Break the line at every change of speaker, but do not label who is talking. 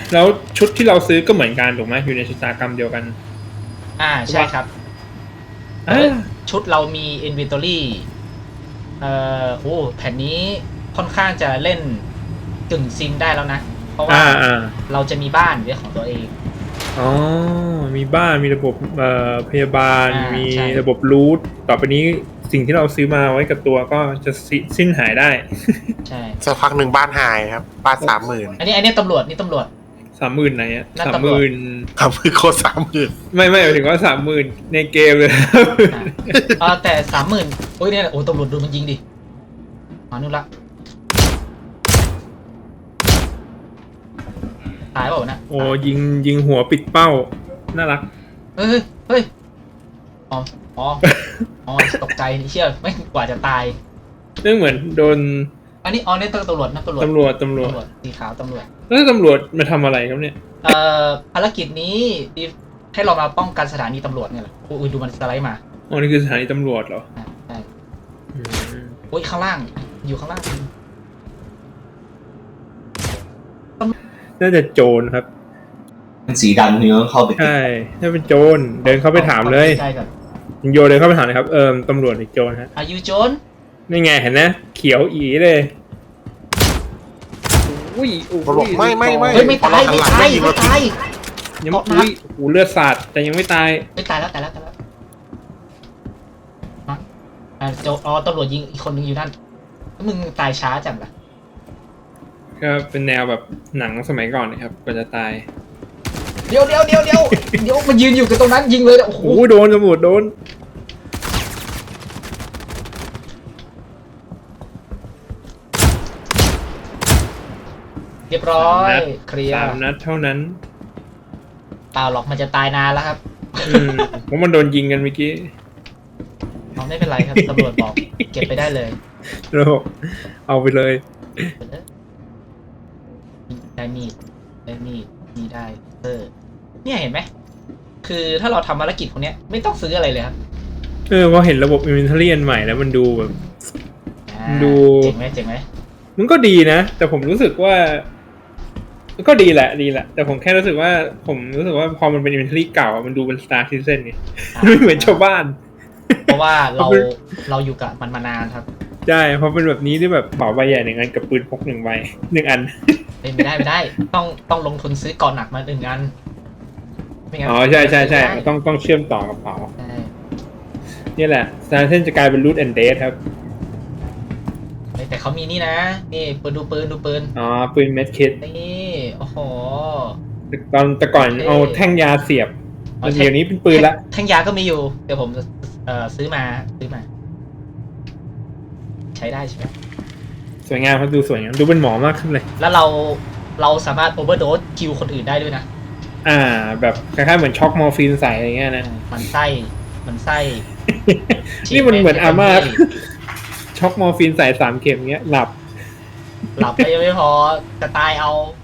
แล้วชุดที่เราซื้อก็เหมือนกันถูกไหมอยู่ในชะตากรรมเดียวกัน
ใช่ครับชุดเรามี inventory แผ่นนี้ค่อนข้างจะเล่นกึ่งซิมได้แล้วนะเพราะว่าเราจะมีบ้านเป็นของตัวเอง
อ๋อมีบ้านมีระบบพยาบาลมีระบบรูทต่อไปนี้สิ่งที่เราซื้อมาไว้กับตัวก็จะสิ้นหายได้
ใช่
สักพักหนึ่งบ้านหายครับบ้าน30,000
อันนี้ตำรวจ
30,000ไหนอะ30,000
โคตร30,000
ไม่หมายถึงว่า30,000ในเกมเลย
แต่30,000โอ้ยเนี่ยโอ้ตำรวจดูมันยิงดินู่นละตายเปล่านะ
โอ้ยิงหัวปิดเป้าน่ารัก
เฮ้ยอ๋อตกใจนี่เชื่อไม่กว่าจะตาย
เรื่องเหมือนโดน
อันนี้นี่ตำรวจนะตำรวจสีขาวตำรวจ
แล้วตำรวจมาทำอะไรครับเนี่ย
ภารกิจนี้ให้เรามาป้องกันสถานีตำรวจเนี่ยแหละอุ้ยดูมันสไลด์มา
อ๋อนี่คือสถานีตำรวจเหรอ
ใช่โอ้ยข้างล่างอยู่ข้างล่าง
น่าจะโจรครับ
สีดำนี่ต้องเข้าไป
ใช่ถ้าเป็นโจรเดินเข้าไปถามเลยโยเดินเข้าไปถามเลยครับตำรวจหรือโจรฮะ
อายุโจร
นี่ไงเห็นนะเขียวอีเลยอุ้ย
บอกไม่
ตายยังไม่
อุ้ยเลือดสาดแต่ยังไม่ตาย
แล้วตำรวจยิงอีกคนนึงอยู่นั่นมึงตายช้าจังล่ะ
ก็เป็นแนวแบบหนังสมัยก่อนนะครับกว่าจะตาย
เดี๋ยวมันยืนอยู่กับตรงนั้นยิงเลยโอ้โห
โดนตำรวจโดน
เรียบร้อยเคลียร์
3 นัดเท่านั้น
เปล่าหรอกมันจะตายนานแล้วครับ
เพราะมันโดนยิงกันเมื่อกี้
ไม่เป็นไรครับตำรวจบอกเก็บไปได้เลย
เอาไปเลย
ได้มีดมีได้เนี่ยเห็นไหมคือถ้าเราทำภารกิจพวกนี้ไม่ต้องซื้ออะไรเลยครับ
พอเห็นระบบ inventory อันใหม่แล้วมันดูแบบดู
เจ๋งไหม
มันก็ดีนะแต่ผมรู้สึกว่าก็ดีแหละแต่ผมแค่รู้สึกว่าพอมันเป็น inventory เก่ามันดูเป็น Star Citizen ไงไม่เหมือนชาวบ้าน
เพราะว่าเราอยู่กับมันมานานครับ
ใช่เพราะเป็นแบบนี้ที่แบบเป๋าใบใหญ่1 อันกับปืนพก1 ใบ1 อัน
ไม่ได้ต้องลงทุนซื้อก่อนหนักมา1 อัน
อ๋อใช่ต้องเชื่อมต่อกับเป๋านี่แหละ Star Citizen จะกลายเป็น Loot and Date ครับ
แต่เขามีนี่นะนี่ดูปืน
อ๋อปืนเม็ดคิด
นี่โอ้โห
แต่ก่อนเอาแท่งยาเสียบเดี๋ยวนี้เป็นปืนละ
แท่งยาก็มีอยู่เดี๋ยวผมซื้อมาใช้ได้ใช่ไหม
สวยงามครับดูสวยงามดูเป็นหมอมากขึ้นเลย
แล้วเราสามารถโอเวอร์โดสคิวคนอื่นได้ด้วยนะ
แบบคล้ายๆเหมือนช็อกมอร์ฟีนใส่อะไรเงี้ยนะ
มันไส้
นี่มันเหมือนอาม่าช็อกมอร์ฟีนใส่3 เข็มเงี้ยหลับ
ไปยังไม่พอจะตายเอา